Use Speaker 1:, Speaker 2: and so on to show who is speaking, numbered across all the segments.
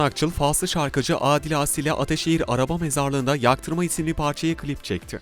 Speaker 1: Akçıl, Faslı şarkıcı Adile Asil ile Ataşehir Araba Mezarlığı'nda Yaktırma isimli parçaya klip çekti.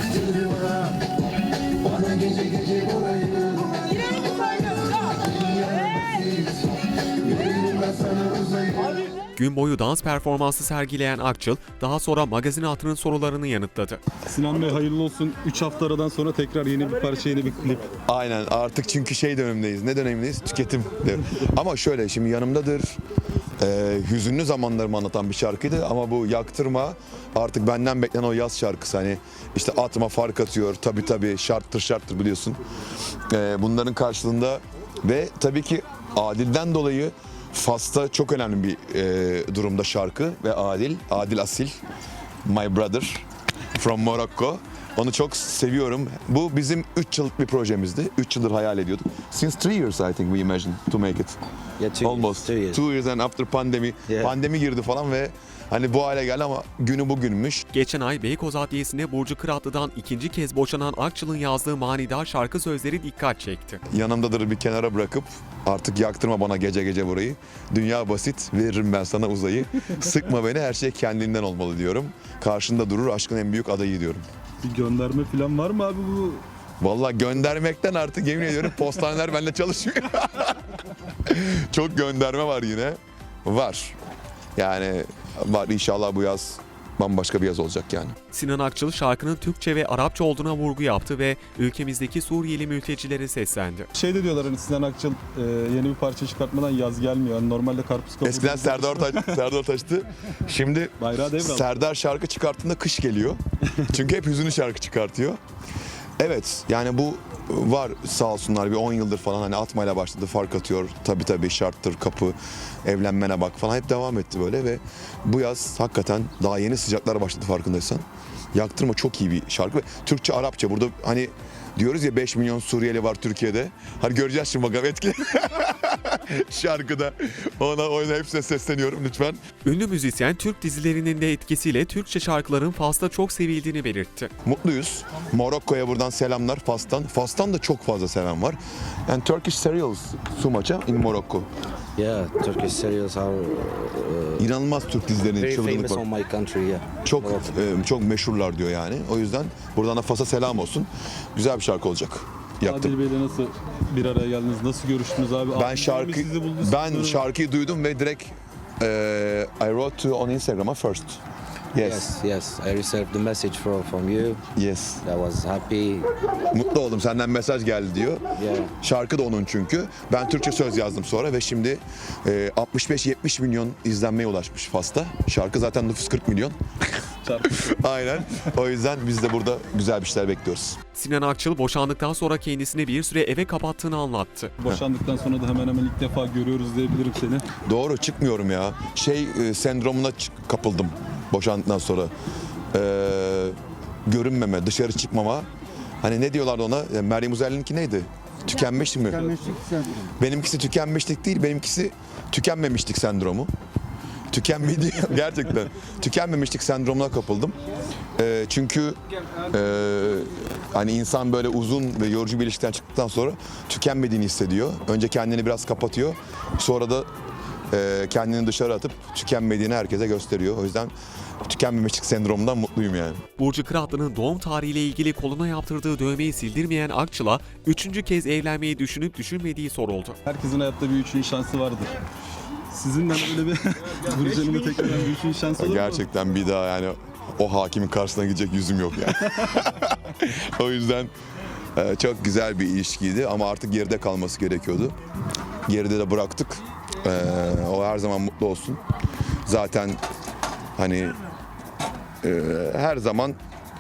Speaker 1: Gün boyu dans performansı sergileyen Akçıl, daha sonra magazin altının sorularını yanıtladı.
Speaker 2: Sinan Bey hayırlı olsun. 3 hafta aradan sonra tekrar yeni bir parça, yeni bir klip.
Speaker 3: Aynen, artık çünkü dönemindeyiz. Ne dönemindeyiz? Tüketim. Ama şöyle, şimdi yanımdadır. Hüzünlü zamanlarımı anlatan bir şarkıydı ama bu Yaktırma artık benden beklenen o yaz şarkısı. Hani işte atma fark atıyor, tabii şarttır biliyorsun. Bunların karşılığında ve tabii ki Adil'den dolayı Fas'ta çok önemli bir durumda şarkı ve Adil Asil, my brother from Morocco. Onu çok seviyorum. Bu bizim 3 yıllık bir projemizdi. 3 yıldır hayal ediyorduk. Since 3 years I think we imagined to make it.
Speaker 4: Yeah, 2
Speaker 3: Almost.
Speaker 4: years.
Speaker 3: 2 years and after pandemi.
Speaker 4: Yeah.
Speaker 3: Pandemi girdi falan ve hani bu hale geldi ama günü bugünmüş.
Speaker 1: Geçen ay Beykoz Adliyesi'nde Burcu Kıratlı'dan ikinci kez boşanan Akçıl'ın yazdığı manidar şarkı sözleri dikkat çekti.
Speaker 3: Yanımdadır bir kenara bırakıp artık yaktırma bana gece burayı. Dünya basit, veririm ben sana uzayı. Sıkma beni, her şey kendinden olmalı diyorum. Karşında durur aşkın en büyük adayı diyorum.
Speaker 2: Bir gönderme falan var mı abi bu?
Speaker 3: Vallahi göndermekten artık yemin ediyorum postaneler benimle çalışmıyor. Çok gönderme var yine. Var. Yani var, inşallah bu yaz bambaşka bir yaz olacak yani.
Speaker 1: Sinan Akçıl şarkının Türkçe ve Arapça olduğuna vurgu yaptı ve ülkemizdeki Suriyeli mültecilere seslendi.
Speaker 2: Şey de diyorlar hani Sinan Akçıl yeni bir parça çıkartmadan yaz gelmiyor. Yani normalde karpuz kabuğu.
Speaker 3: Eskiden Serdar Ortaç'tı. Şimdi
Speaker 2: Bayrağı devraldı.
Speaker 3: Serdar şarkı çıkarttığında kış geliyor. Çünkü hep hüzünlü şarkı çıkartıyor. Evet, yani bu var sağ olsunlar, bir 10 yıldır falan hani atmayla başladı, fark atıyor. Tabii şarttır, kapı, evlenmene bak falan hep devam etti böyle ve bu yaz hakikaten daha yeni sıcaklar başladı farkındaysan. Yaktırma çok iyi bir şarkı ve Türkçe, Arapça. Burada hani diyoruz ya 5 milyon Suriyeli var Türkiye'de. Hani göreceğiz şimdi bakalım etkili. Şarkıda ona hepsine sesleniyorum lütfen.
Speaker 1: Ünlü müzisyen Türk dizilerinin de etkisiyle Türkçe şarkıların Fas'ta çok sevildiğini belirtti.
Speaker 3: Mutluyuz. Morokko'ya buradan selamlar Fas'tan. Fas'tan da çok fazla seven var. And Turkish serials so much in Morocco.
Speaker 4: Yeah, Turkish serials are
Speaker 3: İnanılmaz Türk dizilerinin
Speaker 4: very
Speaker 3: çılgınlık
Speaker 4: famous
Speaker 3: var.
Speaker 4: on my country. Yeah.
Speaker 3: Çok
Speaker 4: Morocco.
Speaker 3: çok meşhurlar diyor yani. O yüzden buradan da Fas'a selam olsun. Güzel bir şarkı olacak. Yaktım.
Speaker 2: Adil Bey'le nasıl bir araya geldiniz? Nasıl görüştünüz abi?
Speaker 3: Ben şarkıyı duydum ve direkt I wrote to on Instagram'a first.
Speaker 4: Yes. I received the message from you.
Speaker 3: Yes.
Speaker 4: I was happy.
Speaker 3: Mutlu oldum, senden mesaj geldi diyor.
Speaker 4: Yeah.
Speaker 3: Şarkı da onun çünkü. Ben Türkçe söz yazdım sonra ve şimdi 65-70 milyon izlenmeye ulaşmış Fas'ta. Şarkı zaten nüfus 40 milyon. Aynen. O yüzden biz de burada güzel bir şeyler bekliyoruz.
Speaker 1: Sinan Akçıl boşandıktan sonra kendisini bir süre eve kapattığını anlattı.
Speaker 2: Boşandıktan sonra da hemen ilk defa görüyoruz diyebilirim seni.
Speaker 3: Doğru, çıkmıyorum ya. Sendromuna kapıldım boşandıktan sonra. Görünmeme, dışarı çıkmama. Hani ne diyorlardı ona? Meryem Uzerli'ninki neydi? Tükenmişlik mi? Benimkisi tükenmişlik değil, benimkisi tükenmemişlik sendromu. Tükenmedi gerçekten. Tükenmemişlik sendromuna kapıldım. Çünkü hani insan böyle uzun ve yorucu bir ilişkiden çıktıktan sonra tükenmediğini hissediyor. Önce kendini biraz kapatıyor. Sonra da kendini dışarı atıp tükenmediğini herkese gösteriyor. O yüzden tükenmemişlik sendromundan mutluyum yani.
Speaker 1: Burcu Kıratlı'nın doğum tarihiyle ilgili koluna yaptırdığı dövmeyi sildirmeyen Akçıl'a 3. kez evlenmeyi düşünüp düşünmediği soruldu.
Speaker 2: Herkesin hayatta bir üçüncü şansı vardır. Sizin de böyle bir Burcu'nun da tekrar bir üçüncü şansı olur mu?
Speaker 3: Gerçekten bir daha yani o hakimin karşısına gidecek yüzüm yok yani. O yüzden çok güzel bir ilişkiydi ama artık geride kalması gerekiyordu. Geride de bıraktık. O her zaman mutlu olsun. Zaten hani her zaman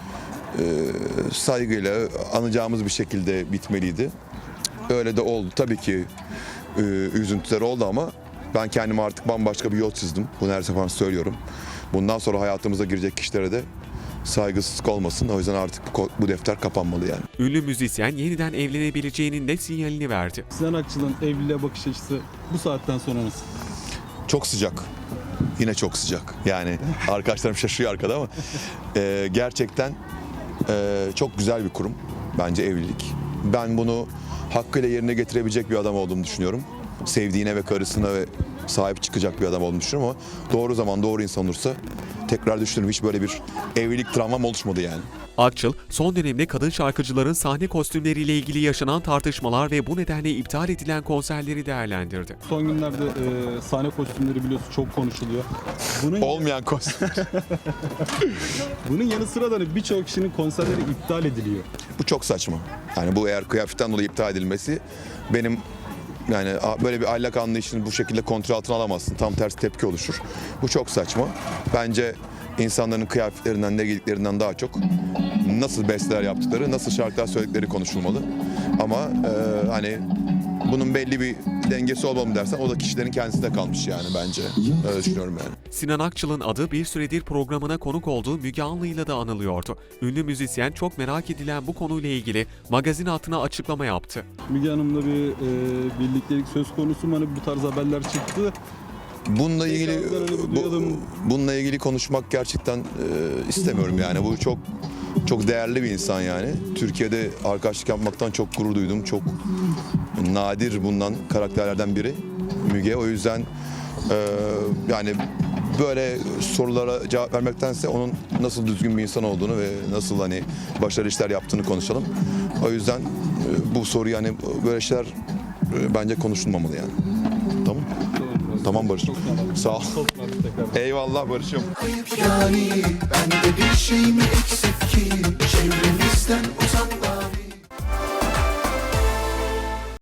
Speaker 3: saygıyla anacağımız bir şekilde bitmeliydi. Öyle de oldu. Tabii ki üzüntüler oldu ama ben kendime artık bambaşka bir yol çizdim. Bunu her sefer söylüyorum. Bundan sonra hayatımıza girecek kişilere de saygısızlık olmasın. O yüzden artık bu defter kapanmalı yani.
Speaker 1: Ünlü müzisyen yeniden evlenebileceğinin de sinyalini verdi.
Speaker 2: Sinan Akçıl'ın evliliğe bakış açısı bu saatten sonra nasıl?
Speaker 3: Çok sıcak. Yine çok sıcak. Yani arkadaşlarım şaşıyor arkada ama gerçekten çok güzel bir kurum. Bence evlilik. Ben bunu hakkıyla yerine getirebilecek bir adam olduğumu düşünüyorum. sevdiğine ve karısına ve sahip çıkacak bir adam olduğunu düşünüyorum ama doğru zaman doğru insan olursa tekrar düşünürüm. Hiç böyle bir evlilik travmam oluşmadı yani.
Speaker 1: Akçıl, son dönemde kadın şarkıcıların sahne kostümleriyle ilgili yaşanan tartışmalar ve bu nedenle iptal edilen konserleri değerlendirdi.
Speaker 2: Son günlerde sahne kostümleri biliyorsun çok konuşuluyor.
Speaker 3: Olmayan kostüm.
Speaker 2: Bunun yanı sıra da hani birçok kişinin konserleri iptal ediliyor.
Speaker 3: Bu çok saçma. Yani bu eğer kıyafetten dolayı iptal edilmesi benim yani böyle bir ahlak anlayışını bu şekilde kontrol altına alamazsın. Tam tersi tepki oluşur. Bu çok saçma. Bence insanların kıyafetlerinden, ne giydiklerinden daha çok nasıl besteler yaptıkları, nasıl şarkılar söyledikleri konuşulmalı. Ama hani bunun belli bir dengesi olmalı mı dersen o da kişilerin kendisine kalmış yani bence. Öyle düşünüyorum yani.
Speaker 1: Sinan Akçıl'ın adı bir süredir programına konuk olduğu Müge Anlı'yla da anılıyordu. Ünlü müzisyen çok merak edilen bu konuyla ilgili magazin hatına açıklama yaptı.
Speaker 2: Müge Hanım'la bir birliktelik söz konusu mu? Hani bu tarz haberler çıktı.
Speaker 3: Bununla ilgili konuşmak gerçekten istemiyorum yani. Bu çok değerli bir insan yani. Türkiye'de arkadaşlık yapmaktan çok gurur duydum. Çok nadir bulunan karakterlerden biri Müge. O yüzden yani böyle sorulara cevap vermektense onun nasıl düzgün bir insan olduğunu ve nasıl hani başarılı işler yaptığını konuşalım. O yüzden bu soru yani böyle şeyler bence konuşulmamalı yani. Tamam. Tamam Barış'ım. Sağ ol. Eyvallah Barış'ım.
Speaker 5: Yani bende bir şey mi eksik ki çevremizden uzak mavi.